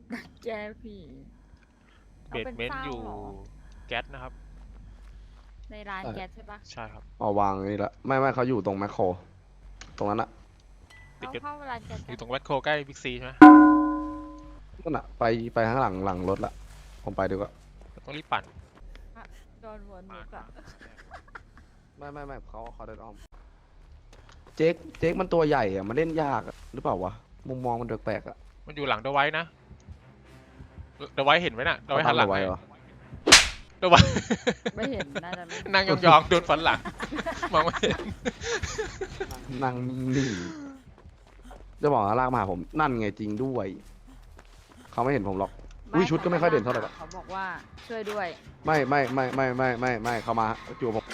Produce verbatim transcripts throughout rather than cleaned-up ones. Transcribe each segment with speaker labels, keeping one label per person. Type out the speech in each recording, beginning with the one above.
Speaker 1: แกผี
Speaker 2: เบ
Speaker 1: เอาเป็น
Speaker 2: ดเมนต์อยู่
Speaker 1: เศร้าเหรอ
Speaker 2: แก๊สนะครับ
Speaker 1: ในร้าน
Speaker 3: ใช่
Speaker 1: แก๊สใช่ปะ
Speaker 2: ใช่ครับ
Speaker 3: เอาวางนี่ละไม่ไม่เขาอยู่ตรงแมคโครตรงนั้นอะ
Speaker 2: ติด
Speaker 1: เข้า
Speaker 2: กัน
Speaker 1: เข้าร้านแก๊สกัน
Speaker 2: อยู่ตรงแมคโครใกล้บิ๊กซีใช่ไหม
Speaker 3: นั่นอะไปไปข้างหลังหลังรถละผมไปดีกว่า
Speaker 2: ต้องรีบปั่น
Speaker 1: อะโดนหัวหนู
Speaker 2: มา
Speaker 1: อะ
Speaker 3: ไม่ไม่ไม่เขาเขาเดินอ้อมเจ๊กเจ๊กมันตัวใหญ่อะมันเล่นยากอะหรือเปล่าวะมุมมองมันแปลกๆอะ
Speaker 2: มันอยู่หลังเดอะไว้นะเดอะไว้เห็นไหมน่ะเดอะ
Speaker 3: เขา
Speaker 2: ไว้หันหลัง
Speaker 3: ทำเอาไว้
Speaker 2: ให้
Speaker 3: เหรอ
Speaker 2: เดอะไว้
Speaker 1: ไม่เห็นน่าจะไม่เห็น
Speaker 2: นั่งยองๆโดนฟันหลังมองไม่เห็น
Speaker 3: นั่งนิ่งจะบอกว่าลากมาหาผมนั่นไงจริงด้วยเขาไม่เห็นผมหรอก อุ้ยชุดก็ไม่ค่อยเด่นเท่าไหร่หรอก
Speaker 1: เขาบอกว่าช่วยด้วย
Speaker 3: ไม่ไม่ไม่ไม่ไม่ไม่ไม่เขามาจู่ผม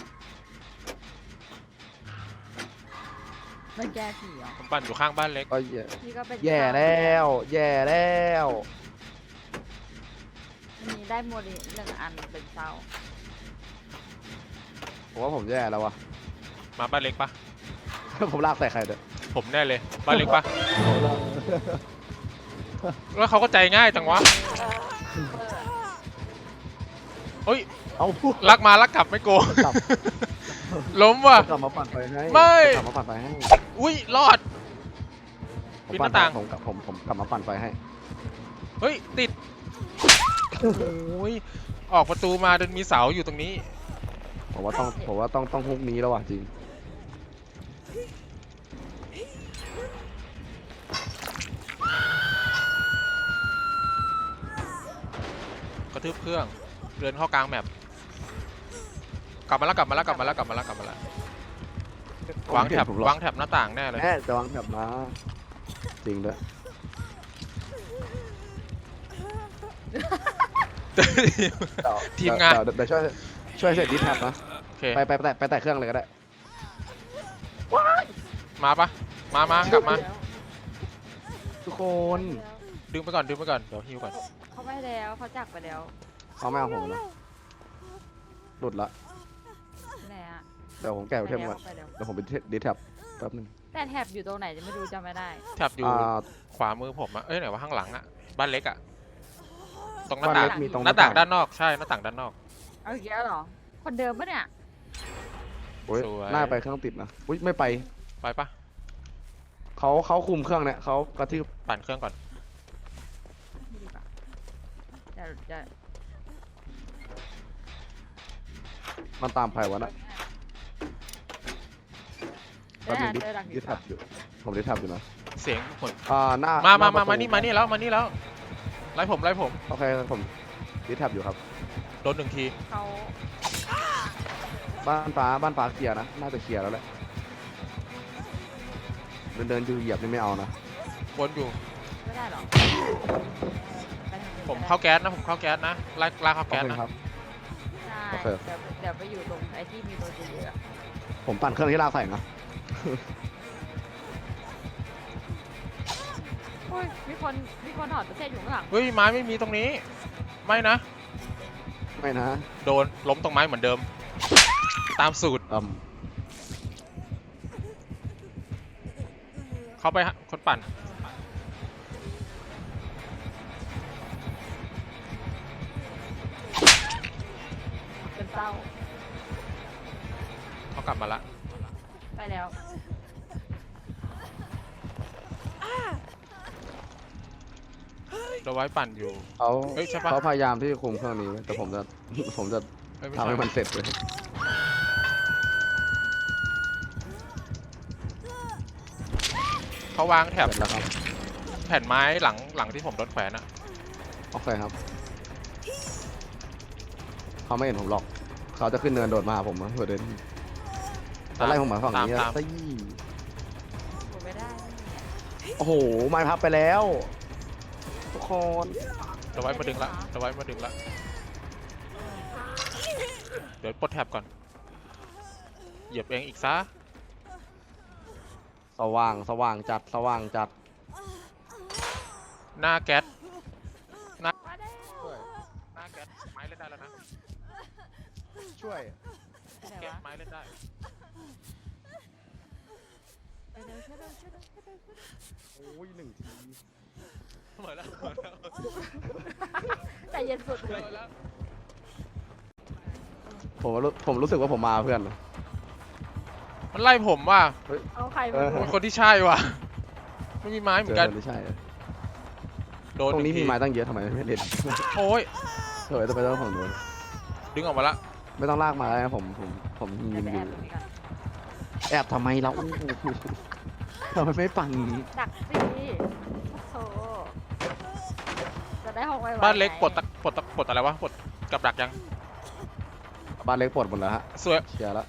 Speaker 1: ไม่แก้ผีเหรอ
Speaker 2: ผมปั่นอยู่ข้างบ้านเล็ก
Speaker 3: ก็แย่
Speaker 1: พี่ก็เป็น
Speaker 3: แย่แล้ว แย่แล้ว
Speaker 1: มีได้โมดิหนึ่งอันเป็นเศร้า
Speaker 3: ผมว่าผมแย่แล้ววะ
Speaker 2: มาบ้านเล็กปะ
Speaker 3: ผมลากใส่ใครเด้อ
Speaker 2: ผมแน่เลยบ้านเล็กปะแล้วเขาก็ใจง่ายจังวะเฮ้ย
Speaker 3: เอา
Speaker 2: ลักมาลักกลับไม่โกง
Speaker 3: กลับ
Speaker 2: ล้มว่ะ
Speaker 3: กลับมาปั่นไฟให้
Speaker 2: ไม่
Speaker 3: กลับมาปั่นไฟให้
Speaker 2: อุ้ยรอด
Speaker 3: ผม
Speaker 2: ปิดห
Speaker 3: ปั่น
Speaker 2: น้าต่าง
Speaker 3: ผมกลับผมผมกลับมาปั่นไฟให้
Speaker 2: เฮ้ยติดโอ้ยออกประตูมาจนมีเสาอยู่ตรงนี้
Speaker 3: ผมว่าต้องผมว่าต้องต้องฮุกนี้แล้วว่ะจริง
Speaker 2: กระทืบเครื่องเดินเข้ากลางแมปกลับมาแล้วกลับมาแล้วกลับมาแล้วกลับมาแล้วกลับมาแล้ววางแถบ
Speaker 3: ผมเห็นผมหรอก
Speaker 2: วางแถบหน้าต่างแน่เลย
Speaker 3: แม่จะวางแถบมาจริงด้วย
Speaker 2: ทีมงาน
Speaker 3: เดี๋ยวเดี๋ยวช่วยช่วยเสร็จดิสแท็บนะ
Speaker 2: โอเค
Speaker 3: ไปไปไปแตะไปแตะเครื่องเลยก็ได้
Speaker 2: มาปะมามากลับมา
Speaker 3: ทุกคน
Speaker 2: ดึงไปก่อนดึงไปก่อนเดี๋ยวฮิวก่อน
Speaker 1: เขาไม่แล้วเขาจักไปแล้ว
Speaker 3: เอาไม่เอาผมนะหลุดละ
Speaker 1: ที่ไหนอะ
Speaker 3: เดี๋ยวผมแกะ
Speaker 1: ไป
Speaker 3: ไอเทม
Speaker 1: แล้
Speaker 3: ก่
Speaker 1: ว
Speaker 3: อน
Speaker 1: ไปแล้ว
Speaker 3: เดี๋ยวผมไปดิสแท็บแป๊บนึง
Speaker 1: แต่แท็บอยู่ตรงไหนจะไม่รู้จำไม่ได้
Speaker 2: แถบอยู่
Speaker 3: อ่า
Speaker 2: ขวามือผมอะเอ้ยไหนว่าข้างหลังอะบ้านเล็กอะตรงหน้า
Speaker 3: บ้าน
Speaker 2: ต่าง
Speaker 3: เล็กมีตรง
Speaker 2: หน้าต่างด้านนอกใช่หน้าต่างด้านนอก
Speaker 1: เอาอีกแล้วเหรอ คนเดิมปะเนี่ย
Speaker 3: โอ้ย
Speaker 2: สวย
Speaker 3: หน้าไปเครื่องติดนะอุ้ยไม่ไป
Speaker 2: ไปปะ
Speaker 3: เขาเขาคุมเครื่องเนี่ยเขากระทืบ
Speaker 2: ปั่นเครื่องก่อน
Speaker 1: ไม่ดีกว่าเดี๋ยวจะ
Speaker 3: มันตามใครวะน่ะ
Speaker 1: เดี๋
Speaker 3: แป๊
Speaker 1: ยว
Speaker 3: บนึ
Speaker 1: หาง
Speaker 3: ดิ
Speaker 1: เจอหลัง
Speaker 3: ดิสแท็บอยู่ผมดิสแท็บอยู่นะ
Speaker 2: เสียงคน
Speaker 3: อ่าหน้า
Speaker 2: มา
Speaker 3: ห
Speaker 2: มา
Speaker 3: น้
Speaker 2: มา
Speaker 3: ประตู
Speaker 2: มานี่มานี่แล้วมานี่แล้วไล่ผมไล่ผม
Speaker 3: โอเคผมดิสแท็บอยู่ครับ
Speaker 2: โดนหนึ่งที
Speaker 1: เขา
Speaker 3: บ้านฟ้าบ้านฟ้าเคลียร์นะน่าจะเคลียร์แล้วแหละเดินเดินดูเหยียบนี่ไม่เอานะ
Speaker 2: วนอยู่
Speaker 1: ไม่ได้เหรอไปทางนู้น
Speaker 2: ผม
Speaker 1: ก็ได้
Speaker 2: เข้าแก๊สนะผมเข้าแก๊สนะไล่ไล่เข้า
Speaker 3: โอ
Speaker 2: แก๊ส
Speaker 3: เค
Speaker 2: นะครับ
Speaker 1: ใช่
Speaker 3: โอเค
Speaker 1: เดี๋ยวเดี๋ยวไปอยู่ตรงไอ้ที่มีโดนเยอะๆอะ
Speaker 3: ผมปั่นเครื่องที่ลากใส่นะ
Speaker 1: โอ้ยมีคนมีคนถอดประเทศอยู่ข้างหลัง
Speaker 2: เฮ้ยไม้ไม่มีตรงนี้ ไม่นะ
Speaker 3: ไม่นะ
Speaker 2: โดนล้มตรงไม้เหมือนเดิม ตามสูตร
Speaker 3: อืม
Speaker 2: เข้าไปฮะคนปั่น
Speaker 1: เป็นเศร้า
Speaker 2: เขากลับมาละ
Speaker 1: ไปแล้ว
Speaker 2: เราไว้ปั่นอยู่
Speaker 3: เขา
Speaker 2: เฮ้ยใช่ปะ
Speaker 3: เขาพยายามที่จะคุมเครื่องนี้ไว้แต่ผมจะ ผมจะ
Speaker 2: เอ้ยไม่
Speaker 3: ทำ
Speaker 2: ใช่
Speaker 3: ให้มันเสร็จเลย
Speaker 2: เขาวางแถบ
Speaker 3: เสร็จแล้วครับ
Speaker 2: แผ่นไม้หลังหลังที่ผมโดนแขวนอะ
Speaker 3: โอเคครับเขาไม่เห็นผมหรอกเขาจะขึ้นเนินโดดมาหาผมนะเผื่อเดินจะไล่ผมมาฝั่ง
Speaker 2: ตาม
Speaker 3: นี้
Speaker 2: ตาม
Speaker 3: ซี่
Speaker 1: ผมไม่ได้
Speaker 3: โอ้โหไม้พับไปแล้วทุกคน
Speaker 2: เราไว้มาดึงละเราไว้มาดึงละเดี๋ยวปลดแท็บก่อนเหยียบเองอีกซะ
Speaker 3: สว่างสว่างจัดสว่างจัด
Speaker 2: หน้าแก๊ส
Speaker 1: มาได้
Speaker 2: หน้าแก๊สไม้เล่นได้แล้วนะ
Speaker 3: ช่วย
Speaker 1: ไปไหน
Speaker 2: แก๊ส
Speaker 1: วะ
Speaker 2: ไม้เล่นได้
Speaker 1: ไปเร็วช่วยเร็วช่วยเร็วช่วยเร็วช่วยเร็ว
Speaker 3: โอ้ยหนึ่งที
Speaker 2: ทำไเหมือนแล้วเหมือนแล้ว
Speaker 1: ใจเย็นสุด
Speaker 2: เห
Speaker 1: เล
Speaker 2: มื
Speaker 1: ย
Speaker 2: อนแล้ว
Speaker 3: ผมว่ารู้ผมรู้สึกว่าผมมาเพื่อน
Speaker 2: มันไล่ผมว่ะ
Speaker 1: เอาใคร
Speaker 3: เอ
Speaker 1: มา
Speaker 3: อ
Speaker 1: ดู
Speaker 2: มันคนที่ใช่ว่ะไม่มีไม้เหมื
Speaker 3: เจ
Speaker 2: อน
Speaker 3: อ
Speaker 2: กัน
Speaker 3: ไม่ใช่
Speaker 2: โดน
Speaker 3: ตรงนี้
Speaker 2: ห
Speaker 3: มี
Speaker 2: งที
Speaker 3: ไม้ตั้งเยอะทำไมไม่เล่น
Speaker 2: โอ้ย
Speaker 3: เฮ้ยจะไปต้องผมโดน
Speaker 2: ดึงออกมาละ
Speaker 3: ไม่ต้องลากมาแล้วนะผมผมผมยืน
Speaker 1: ไป
Speaker 3: อ
Speaker 1: แอยู่ บตรงนี้ก่อน
Speaker 3: แอบทำไมเราทำไมไม่ปังนี้
Speaker 1: ดักสิโธ่จะได้ห้องไว้ไว้
Speaker 2: บ้านเล็ก
Speaker 1: ไง
Speaker 2: ปลดตะปลดตะปลดอะไรวะปลดกับดักยัง
Speaker 3: บ้านเล็กปลดหมดแล้วฮะ
Speaker 2: สวย
Speaker 3: เคลียร์แล้ว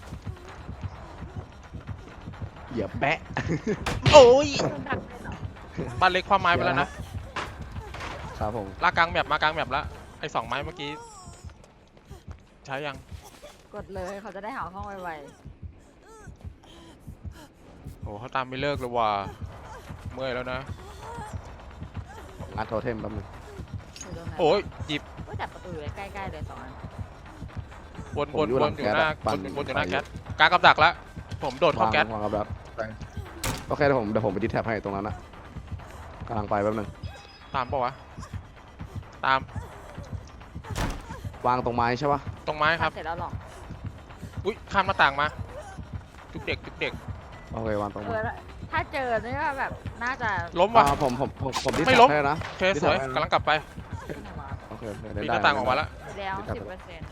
Speaker 3: เหยียบแปะ
Speaker 2: โอ้ย
Speaker 1: โดนดักเลยเหรอ
Speaker 2: บ้านเล็กความไม้ไปแล้วนะครับ
Speaker 3: ผม
Speaker 2: ลากกลางแมปมากลางแมปแล้วไอ้สองไม้เมื่อกี้ใช้ยัง
Speaker 1: กดเลยเขาจะได้หาห้องไว้ไว้
Speaker 2: โอ้เขาตามไม่เลิกเลยว่ะเมื่อยแล้วนะ
Speaker 3: อัดโทเทมแป๊บนึง
Speaker 1: อยู่ตรงนั้น
Speaker 2: โอ้ยหยิบ
Speaker 1: ก็จับประตูอยู่ใกล้ๆเลยสองอัน
Speaker 2: วนวนวนอยู่หน้าวนวนอยู่หน้าแก๊สกลางกับดักแล้วผมโดดเข้าแก๊ส
Speaker 3: วางกับดักไปโอเคเดี๋ยวผมเดี๋ยวผมไปดิสแท็บให้ตรงนั้นนะกำลังไปแป๊บนึง
Speaker 2: ตามปะวะตาม
Speaker 3: วางตรงไม้ใช่ปะ
Speaker 2: ตรงไม้ครับ
Speaker 1: เสร็จแล้วหรอ
Speaker 2: อุ้ยข้ามหน้าต่างมาจุกเด็กจุกเด็ก
Speaker 3: โอเควางตรง
Speaker 1: เอ
Speaker 3: ไม้
Speaker 1: อแล้วถ้าเจอนี่ก็แบบน่าจะ
Speaker 2: ล้มว่ะ
Speaker 3: อ่าผมผมผมผมดิส
Speaker 2: ไม่
Speaker 3: แท็
Speaker 2: ล้
Speaker 3: บ
Speaker 2: ม
Speaker 3: ให้นะ
Speaker 2: โอเคสวยกำลังกลับไป
Speaker 3: โอเคโอเค
Speaker 2: ปี
Speaker 3: เล่น
Speaker 2: นห
Speaker 3: ได้
Speaker 2: น้าต่างออกมาแล้ว
Speaker 1: แล้ว
Speaker 3: ดิสแท็บ
Speaker 1: สิบเปอร์เซ็นต์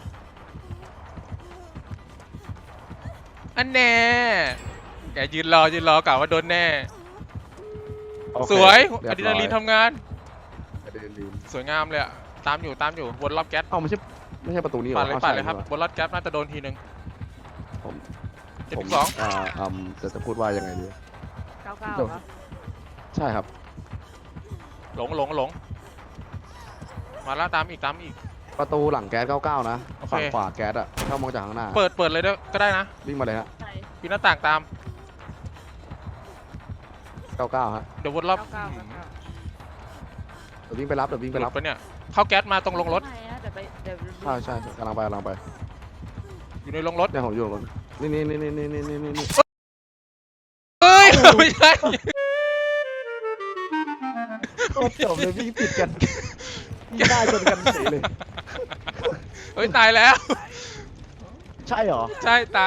Speaker 2: อันแน่แกยืนรอยืนรอกะว่าโดนแน่
Speaker 3: โอเค
Speaker 2: สวย
Speaker 3: เรี
Speaker 2: อะ
Speaker 3: บ
Speaker 2: ดรี
Speaker 3: ร้
Speaker 2: นาลีนทำงาน
Speaker 3: อะดรีนาลีน
Speaker 2: สวยงามเลยอะตามอยู่ตามอยู่วนรอบแก๊ส
Speaker 3: เอ้าไม่ใช่ไม่ใช่ประตูนี้หรอ
Speaker 2: ปัดเลย
Speaker 3: อ้าว
Speaker 2: ปัด
Speaker 3: ใช่
Speaker 2: เลยครับ
Speaker 3: นี่ห
Speaker 2: วนรอบแก๊สน่าจะโดนทีหนึ่ง
Speaker 3: ผม
Speaker 2: เจ็ด
Speaker 3: ผม
Speaker 2: สอง
Speaker 3: อ่าอืมจะจะพูดว่ายังไงดี
Speaker 1: เก้าเก้า
Speaker 3: เดี๋ยว
Speaker 1: เหรอ
Speaker 3: ใช่ครับ
Speaker 2: หลงหลงหลงมาแล้วตามอีกตามอีก
Speaker 3: ประตูหลังแก๊สเก้าเก้านะ
Speaker 2: โอเค
Speaker 3: ฝั่งขวาแก๊สอะเข้ามองจากข้างหน้า
Speaker 2: เปิดเปิดเลยด้วยก็ได้นะ
Speaker 3: วิ่งมาเลยฮะ
Speaker 1: ใช่
Speaker 2: ปีนหน้าต่างตาม
Speaker 3: เก้าเก้าฮะ
Speaker 2: เดี๋ยววนรอบ
Speaker 1: เก้าเก้าเก้าเก้า
Speaker 3: เดี๋ยววิ่งไปรับเดี๋ยววิ่ง
Speaker 2: ห
Speaker 3: ไป
Speaker 2: ลุ
Speaker 3: รั
Speaker 2: ด
Speaker 3: บ
Speaker 2: ไปเนี่ยเข้าแก๊สมาตรงลงรถ
Speaker 1: ไม่นะเดี๋ยวไปเดี๋ยวดู
Speaker 3: ใช่ใช่ใช่กำลังไปกำลังไป
Speaker 2: อยู่ในลงรถ
Speaker 3: เนี่ยผมอยู่ตรงนี้นี่นี่นี่นี่นี่นี่นี่นี่
Speaker 2: เฮ้ยไม่ใช่
Speaker 3: โคตรจบเลยวิ่งติดกันวิ่งได้จนกันเฉยเลย
Speaker 2: เฮ้ยตายแล้ว
Speaker 3: ใช่เหรอ
Speaker 2: ใช่ตาย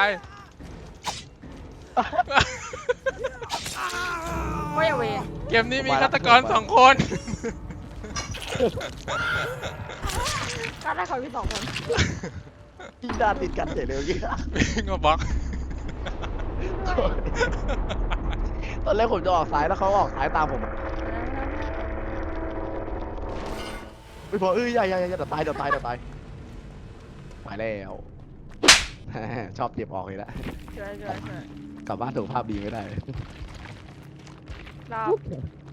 Speaker 1: ไม่เอาเวร
Speaker 2: เกมนี้มีฆาตกรสองคน
Speaker 1: ก็ได้เขามีสองคน
Speaker 3: วิ่งได้ติดกันเฉยเลยเมื่อกี้
Speaker 2: วิ่งมาบล็อก
Speaker 3: ตอนแรกผมจะออกซ้ายแล้วเขาออกซ้ายตามผมไม่พอเอ้ยอย่าอย่าอย่าเดี๋ยวตายเดี๋ยวตายเดี๋ยวตายไปแล้ว ชอบเจ็บออกเลยละ
Speaker 1: ช่วยช่วยช่วย
Speaker 3: กลับบ้านสุขภาพดีไม่ได้
Speaker 1: รอบ